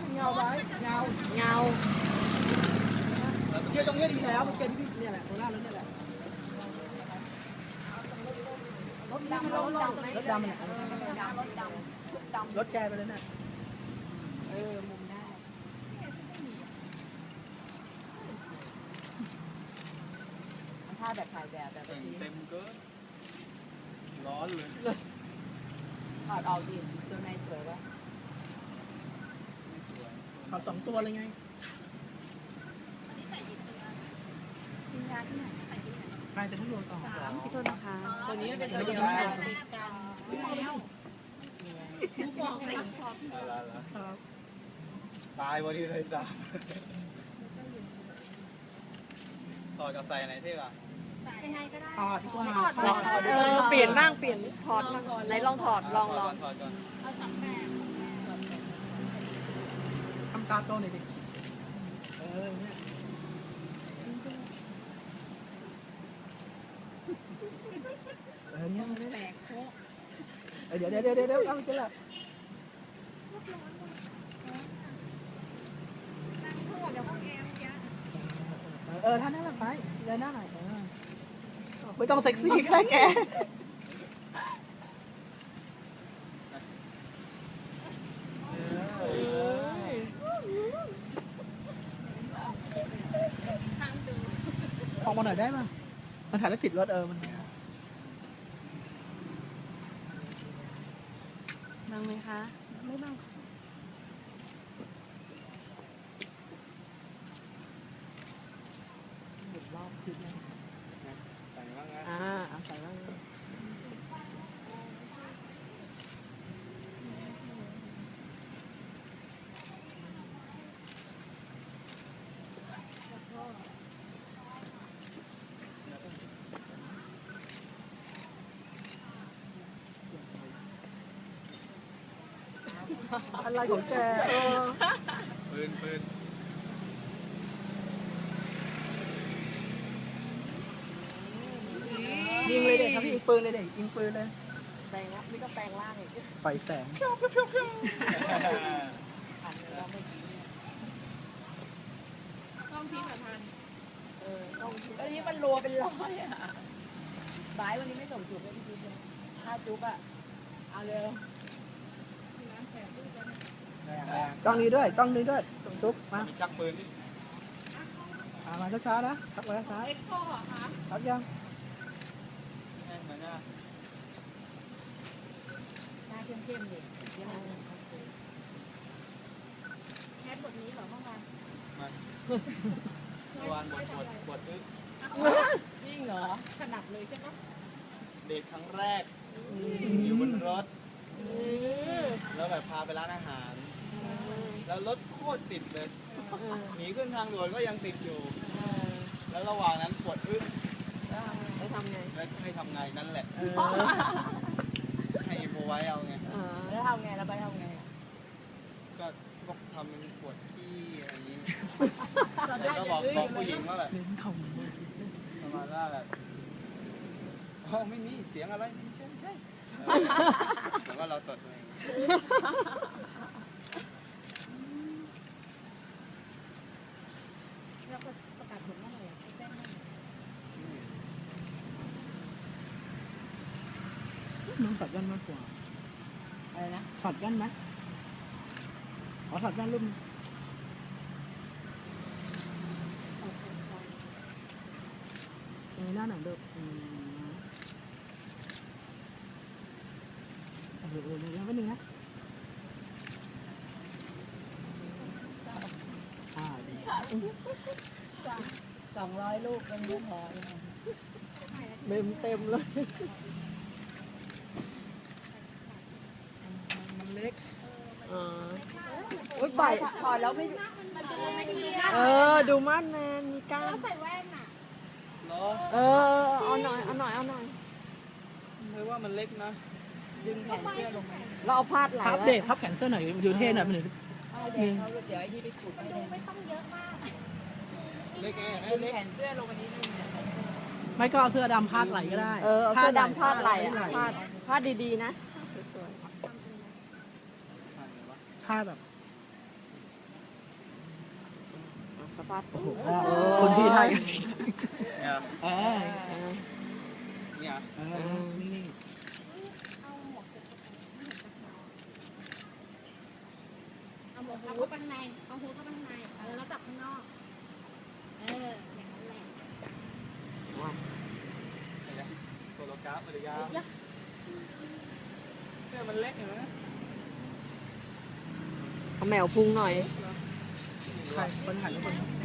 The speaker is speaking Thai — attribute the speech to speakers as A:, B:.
A: เงาไว้เงา
B: เงา
A: เกียร์ตรงนี้ดีแล้วเกียร์ที่พี่เนี่ยแหละตัวหน้ารถเนี่ยแหละรถดำมันรถแกไปเลยน่ะ
B: มุมได้ถ้าแบบถ่ายแบบแบบนี้
C: เต็มเกินร้อนเลย
B: ถอดออกดิตัวในสวยปะ
A: ขับ2 ตัวเลยไงใครจะที่รวมต่อ3
B: พี่โทษนะคะตัวนี้เป็น
C: ไม่
B: ตัว
C: ใช่
B: นี้
C: ตายวันที่เลยจ้าถอดกับใส่ไหนเท่อะ
A: ต่อที่ว่า
B: เปลี่ยนบ้างเปลี่ยนถอดมาก่อนไหนลองถอดลอง
C: ถอดก่อน
A: ทำตาโตหน่อยดิเนี่ยเนี่ยแปลกเดี๋ยวเอาไปละท่านนั่นแหละไปเลยหน้าหน่อยไม่ต้องเซ็กซี่ก็ได้แกออกมาหน่อยได้ไหมมันถ่ายแล้วติดรถมัน
B: บังไหมคะไม่บัง
A: รอบคลิปเลย
C: ใส่บ้างนะ
A: เอาใส่บ้างอะไรของแก
C: ปืน
A: ยิงเลยเด็กครับพี่ยิงปืนเลยเด็กยิงปืนเลย
B: แปลงละนี่ก็แปลงล่างอีก
A: ปล่อยแสง
B: ผ่านแล้วเมื่อกี้ต้องทีผ่านต้องทีวันนี้มันรัวเป็นร้อยอ่ะบายวันนี้ไม่ส่งจุ๊บเลยพี่จุ๊บเลยถ้าจุ๊บอ่ะเอาเร็ว
A: กล้องนี้ด้วยทุกมา
C: มีชักปืนที่
A: มาช้าๆนะชักไว้ช้าเอ็กโซ่เหรอคะชักยัง
C: เหมือนน่ะ
B: หน้าเข้มๆดิแคสบทนี้เหรอเมื่อวาน
C: เมื่อวานบทอึ๊ก
B: จริงเหรอถนัดเลยใช่ไหม
C: เดทครั้งแรกอยู่บนรถแล้วแบบพาไปร้านอาหารแล้วรถโคตรติดเลยหนีขึ้นทางด่วนก็ยังติดอยู่แล้วระหว่างนั้นปวดอึ๊ก
B: ไปทำไง
C: แล้วให้ทำไงนั่นแหละให้โมไว้เอาไง
B: แล้วทำไงแล้วไปทำไง
C: ก็ทำเป็นปวดขี้อะไรอย่างนี้แล้วก็บอกผู้หญิงว่าแบบ
A: เล่นคำ
C: ประมาณว่าแบบไม่มีเสียงอะไรใช่แต่ว่าเราตดเอง
B: แล้วก็ประกาศผลเมื่อไหร่แจ้ง
A: น้องถอดแว่นมากกว่า
B: อะไรนะ
A: ถอดแว่นไหมขอถอดแว่นรุ่นหน้าหนังเด็กเดี๋ยวแป๊บนึงนะ
B: 200 ลูกเป็นลูกพอเต็มเลย
A: มันเล็ก
B: อุ้ยบ่อยถอดแล้วไม่ดูมาดแมนมีก้านใส่แว่นอ่ะเอาหน่อย
C: เลยว่ามันเล็กนะ
B: ดึงแขนเสื้อลงมาเราเอาพาดไหล่
A: พับเด็กพับแขนเสื้อหน่อยดูเท่หน่อยมันถึง
B: เดี๋ยวไอ้นี่ไปขุดไม่ต้องเยอะมาก
C: เล็กไง
B: ดึง
C: เล็ก
B: แขนเสื้อลงมานิดนึงเนี่ย
A: ไม่ก็เอาเสื้อดำพาดไหล่ก็ได้
B: เอาเสื้อดำพาดไหล่พาดดีๆนะ
A: พาดแบบ
D: สะพาด
A: โอ้โหคนพี่ไทยกันจริง
C: เนี่ย
A: ๆ
C: เนี่ย
A: นี่
E: เอาหมวกเข้าไปข้างในเอาหูเข้าไปข้างในแล้วจับข้างนอกอย่างนั้นแหละ
C: เนี่ยโซโลกราฟปริยาเนี่ยมันเล็กอยู่นะ
D: เอาแมวพุ่งหน่อย
A: ใครคนหันทุกคน